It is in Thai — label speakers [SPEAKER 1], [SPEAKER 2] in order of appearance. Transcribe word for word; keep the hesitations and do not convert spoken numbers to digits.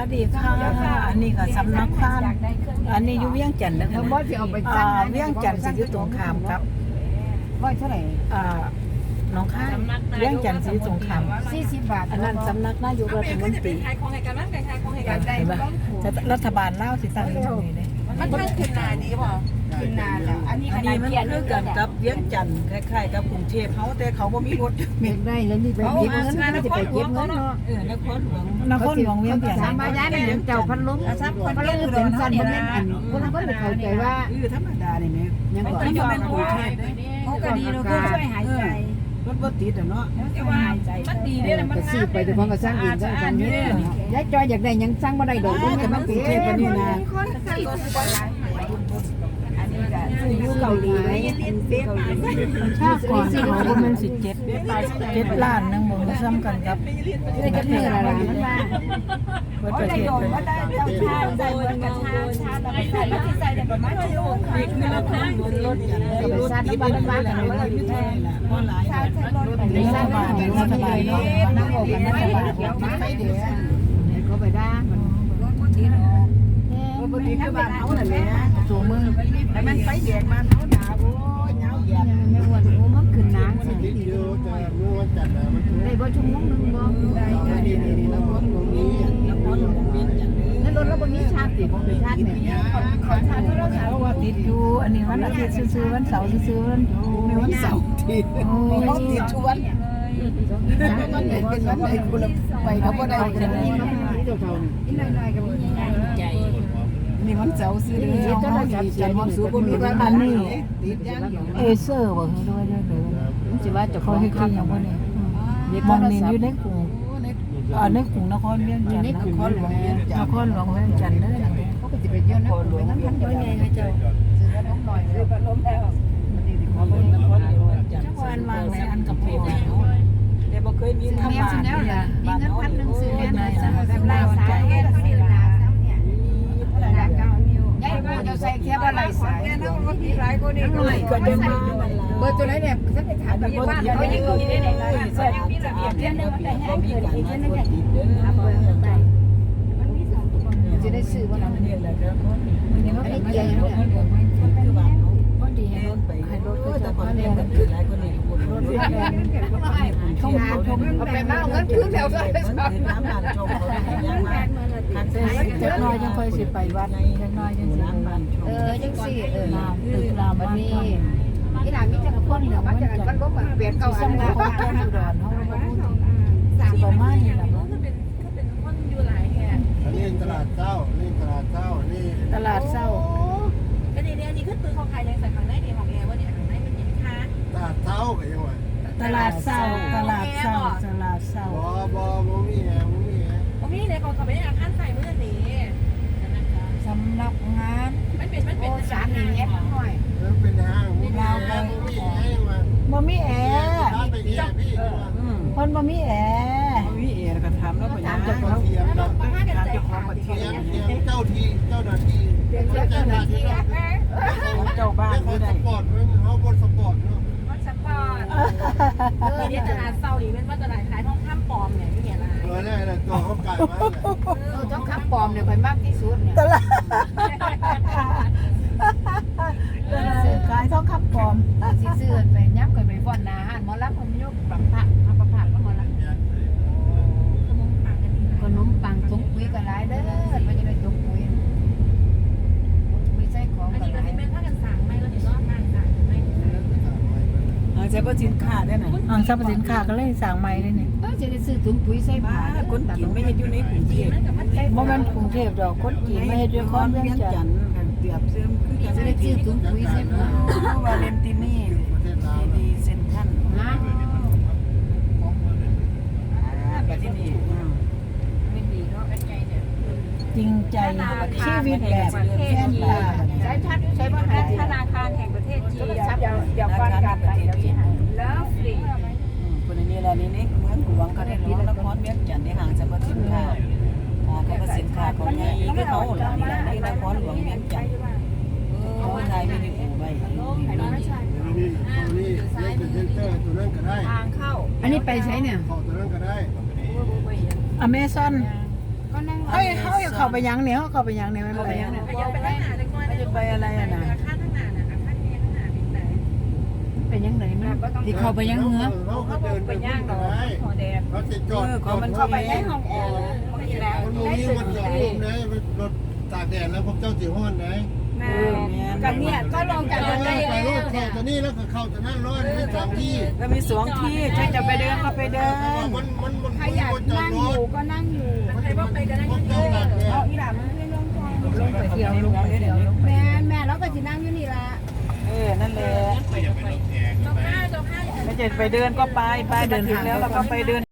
[SPEAKER 1] สดีค่ะอันนี้ก็สำนักพานอันนี้อยู่เวียงจันทร์นะคะนะอ่าเวียงจันทร์สิอยู่ตรงข้ามครับ
[SPEAKER 2] ร้อยเท่าไหร่
[SPEAKER 1] อ่าน้องข้างเวียงจันทร์สิอยู่ตรงข้าม
[SPEAKER 2] สี่สิบบาท
[SPEAKER 1] อันนั้นสำนักนายกรัฐมนตรี
[SPEAKER 3] ขายของให้กันนั่นขายของให้
[SPEAKER 1] เห็
[SPEAKER 3] กัน
[SPEAKER 1] นปะรัฐบาลลาวสิตั้งอยู่ตรงนี้เลย
[SPEAKER 3] มันทั้งขึ้นนาดีป่ะ
[SPEAKER 2] กินนานแล้วอันนี้
[SPEAKER 1] อันนี้มันคือกันกับเวียงจันทร์คล้ายๆกับกรุงเทพเขาแต่เขาบ่มีรถ
[SPEAKER 2] เก็บได้แล้วนี่ไปเก็บเงินก็จะไปเก็บเงินเนาะ
[SPEAKER 1] เออนครหลวงนครหลวงเวียงจันทร์
[SPEAKER 2] สามบาทนี่เจ้าพันล้มพันล้มเป็นสั้นพันเล่นอันคนนั้นก็เลยเข้าใจว่า
[SPEAKER 1] เออธรรมดานี่แม่
[SPEAKER 2] ยัง
[SPEAKER 1] มัน
[SPEAKER 2] ก่อน
[SPEAKER 1] ต้องเป็นกรุงเทพเด้
[SPEAKER 2] เขาก็ดีเราก็ช่วยหายใจ
[SPEAKER 1] รถบ่ติดอ่ะเนาะ
[SPEAKER 3] แต่ว่ามันดีด้วยนะมัน
[SPEAKER 2] ก็ซื้อไปแต่ของก็สร้างเองสร้างกันนี่ยายจอยอยากได้ยังสร้างบ่ได้ดอกมันก็มันกรุงเทพปานนี้นะอยู่เกาหลีไหมชาติก่อนเขาก็มันสิเจ็ดเจ็ดล้านนึงบ่ซ้ำกันครับประเทศอะไรมันว่าประเทศเป็น
[SPEAKER 3] ชาใส่เหมือนกับชาชาแต่ไม่ใส่ไม่ใส่แต่ประมาณชั่วโมงค่ะ
[SPEAKER 1] เงินทางรถอย่างไรรถติดบ้านบ้านกันเลยอยู่แท้ล่ะบ่หลายรัฐบาลรัฐบาลเนาะนั่งบอกกันรัฐบาลติดไฟแดงเขาไปด่ามันรถบ่ติดรถบ่ติดคือบ้านเฮานั่นแหละสู่มือแต่มันไฟแดงมาเฮาด่าโอ้ยยาวเหยียดแม่อ้วนโอ้มันขึ้นน้ำสิดีได้บ่ชั่วโมงนึงบ่ได้นี่ๆๆแล้วรถบ่มีแล้วรถบ่มีแล้วรถเราบ่มีชาติบ่มีชาติแม่ขอชาติเราถามว่าติดอยู่อันนี้วันอาทิตย์ซื่อๆวันเสาร์ซื่อๆวันมีวันเสาร์ติดโอ้ยติดชวนวันไหนเป็นวันไหนกูละไปเขาบ่ได้กันนี่มันเจ้าเท่านี่น้อยๆก็มีใจนี่วันเสาร์ซื้อเลยเจ้าจับใจความสุขบ่มีว่าอันนี้ติดอย่างเอเซอร์บ่คือด้วยด้วยเลยมันสิว่าเจ้าของคือคือหยังบ่นี่มองนี่อยู่ในกรุงอ่าในกรุงนครเวียงจันทร์นครหลวงเวียงจันทร์นครหลวงเวียงจันทร์เด้อเขาก็สิไปเที่ยวนครหลวงนั้นพันยังไงให้เจ้าซื้อขนมหน่อยซื้อขนมแล้วมันนี่สิขอเบิ่งนครหลวงจันทร์วันวางในอันกับพ่อแต่บ่เคยมีธรรมะนี่ล่ะมีเงินพันนึงซื้อแม่นายแบบลายสายแค่เท่านี้ล่ะเนี่ยยายบ่จะใส่แค่บ่ลายสายเนาะมีหลายคนนี่ก็เลยก็จะมาเบอร์ตัวไหนเนี่ยฉันไปถามแบบว่าเขายังอยู่ได้ไหนล่ะใส่มีระเบียบเรื่องนึงแต่แห้งเกินอีกนั่นน่ะเอาเบอร์ไปมันมีสองตัวจะได้ซื้อว่าเราเนี่ยแหละครับอันนี้เกียร์ยังเนี่ยคือว่าพอดีให้รถไปให้รถก็จะพอเนี่ยมันคือหลายคนนี่รถที่ชมชมเอาไปมาเอาเงินคืนแล้วก็น้ำบานชมเขาได้ยังมาคันเจ็ดน้อยยังค่อยสิไปวัดจังน้อยจังสิเออจังสิเออตึกรามวันนี้ที่ร้านมีจังคนเดี๋ยวมันจะมันก็แบบเปลี่ยนเก่าอันนั้นของแก้อุดรเขาสิประมาณนี้ล่ะ
[SPEAKER 3] ก็เป็นก็เป็นคนอยู่หลายแห่ง
[SPEAKER 4] อันนี้ตลาดเจ้านี่ตลาดเจ้านี่
[SPEAKER 1] ตลาดเศร้า
[SPEAKER 3] ก็ในนี้อันนี้คือตื้อของใครยังใส่ข้างในดีของแอร์ว่าเนี่ยข้างในมันยังค้า
[SPEAKER 4] ตลาดเจ้าไปยังไง
[SPEAKER 1] ตลาดเศร้าตลาดเศร้าตลาดเศร้า
[SPEAKER 4] บอบอบ่มีแอร์บ่มีแอร์
[SPEAKER 3] ผมนี่เลยเขาเขาไปอาคารใส่เมื่อนี้
[SPEAKER 2] สำนักงาน
[SPEAKER 3] มันเป็นมันเป็น
[SPEAKER 2] สามนี่แอปหน่อย
[SPEAKER 4] เออเป็นห้างบ่มีแอร์บ่มีแอร์มา
[SPEAKER 1] บ่มีแอร์
[SPEAKER 4] ร้านไปแอร์พี่ว่า
[SPEAKER 1] เพิ่นบ่มีแอร์บ่มีแอร์ก็ถามแล้วบ่ยัง
[SPEAKER 4] เจ้าของเทียมนะ
[SPEAKER 3] มาห้ากันใจ
[SPEAKER 1] ของประเท
[SPEAKER 4] เที
[SPEAKER 1] ศ
[SPEAKER 4] ยมเทียมเจ้าที่เจ้าหน้าที่
[SPEAKER 2] เจ้าหน้าที่
[SPEAKER 1] เจ้าบ้าน
[SPEAKER 4] เขา
[SPEAKER 1] บ่
[SPEAKER 4] ส
[SPEAKER 1] ได้
[SPEAKER 4] ปอร์ตเพิ่นเขาบ่สปอร์ตเนาะ
[SPEAKER 3] มันสปอร์ตเออเนี่ยตลาดเศร้าดีเป็นว่าตลาดขายทองคำปลอมเนี่ยที่เนี่ยอะไร
[SPEAKER 4] เออนั่นแหละตัวเขาไก่มา
[SPEAKER 2] เออต้องขับปลอมเนี่ยไปมากที่สุดเนี่ย
[SPEAKER 1] ตลาดซื้อขายทองคำปลอม
[SPEAKER 2] สิซื้อไปยับกันไปฟ้อนนาหารหมอลำคนยกปังผักเอาปังผักก็หมอลำขนมปังถุงปุ๋ยก็หลายเด้อมันจะได้ถุงปุ๋ยไม่ใช่ของ
[SPEAKER 3] อัน
[SPEAKER 2] ก็
[SPEAKER 3] นี้
[SPEAKER 2] ห
[SPEAKER 3] ก็
[SPEAKER 2] ลาย
[SPEAKER 3] จะเป็นผ้ากันสั่งไม่ก็จะรอดมากสั่งไม่
[SPEAKER 1] อ่าใช้บ่สินค้าได้น่ะอ่าทรัพย์สินค้าก็เลยสั่งใหม่เลยนี่
[SPEAKER 2] เออจะได้ซื้อถุงปุ๋ยใส่
[SPEAKER 1] บ้า
[SPEAKER 2] ผ้า
[SPEAKER 1] คนจีนไม่เฮ็ดอยู่ในกรุงเทพ
[SPEAKER 3] มันกับมันใจ
[SPEAKER 1] บ่แม่นกรุงเทพดอกคนจีนไม่เฮ็ดอยู่คอนเวียงจันทน์เปรียบเสมคือกัน
[SPEAKER 2] จะได้ซื้อถุงปุ๋ยใส่ผ้า
[SPEAKER 1] ว่าเลนตินี่ดีเซ็นทรัล
[SPEAKER 2] ฮะ
[SPEAKER 1] แบบที่นี่
[SPEAKER 3] ไม่ดีเนาะกันใจเนี่ย
[SPEAKER 1] จริงใจชีวิตแบบแค่นตา
[SPEAKER 2] ใช้พัดใช้ผ้าหา
[SPEAKER 3] ธนาคารแห่งประเทศจีน
[SPEAKER 2] อย่าอย่าฟังกันไปเดี๋ยวสิหาย
[SPEAKER 3] แล้วฟรี
[SPEAKER 1] คนนี้แหละนี่นี่เมืองหลวงก็ได้รู้นครเวียงจันทน์ในห้างสรรพสินค้าอ่าก็สินค้าของใหญ่คือเขาล่ะนี่ล่ะในนครหลวงเวียงจันทน์เออไทยไม่ได้กูไว้
[SPEAKER 4] นี่นี่ตัวนี้เล่นเป็นเซนเตอร์ตัวนั้นก็ได้
[SPEAKER 3] ทางเข้า
[SPEAKER 2] อันนี้ไปใช้เนี่ย
[SPEAKER 4] เข้าตัวนั้นก็ได้
[SPEAKER 1] อเมซอน
[SPEAKER 2] ก็นั่ง
[SPEAKER 1] เฮ้ยเฮ้ย
[SPEAKER 2] เข้าไปยังเนี่ยเข้าไปยังเนี่ยมันไปยัง
[SPEAKER 3] ไปยังไปข้างหน้าจังหน่อย
[SPEAKER 2] จะไปอะไรอ่ะนะ
[SPEAKER 3] ข้างข้างหน้าน่ะข้างนี้ข้างหน้าเป็นไหน
[SPEAKER 2] เป็นยังไงมันที่เข้าไปยังเหงือ
[SPEAKER 4] เขาเขาเดินไปย่างดอกเขาจะจอด
[SPEAKER 2] เขามันเข้าไปในห้อง
[SPEAKER 3] เออมันก็อยู่แล้ว
[SPEAKER 4] มันมีมันจอดลมเลยรถตากแดดแล้วพวกเจ้าสีห้อนไหน
[SPEAKER 2] แม่กันเนี่ยก็ลงจาก
[SPEAKER 4] ไป
[SPEAKER 2] รถได้
[SPEAKER 4] ไปรถเข้าตัวนี้แล้วก็เข้าตัวนั้นร้อนไม่สองที่
[SPEAKER 2] ก็มีสองที่ใครจะไปเดินก็ไปเดิน
[SPEAKER 4] มันมันมัน
[SPEAKER 1] ใครอยากนั่งอยู่ก็นั่งอยู่
[SPEAKER 3] ใครว่าไปกันนั่ง
[SPEAKER 4] พวก
[SPEAKER 3] เอ
[SPEAKER 4] เจ้า
[SPEAKER 3] อ
[SPEAKER 4] ตากแด
[SPEAKER 1] เอา
[SPEAKER 4] ด
[SPEAKER 1] อีหล่ามันไม่ลงคอ
[SPEAKER 2] ลงไปเที่ยวลงไปเดี๋ยวลงไป
[SPEAKER 1] แม่แม่เราก็สินั่งอยู่นี่ละ
[SPEAKER 2] เออนั่นแหละ
[SPEAKER 3] เจ้าข้าเจ้าข้า
[SPEAKER 2] ไม่จะไปเดินก็ไปไปเดินถึงแล้วเราก็ไปเดิน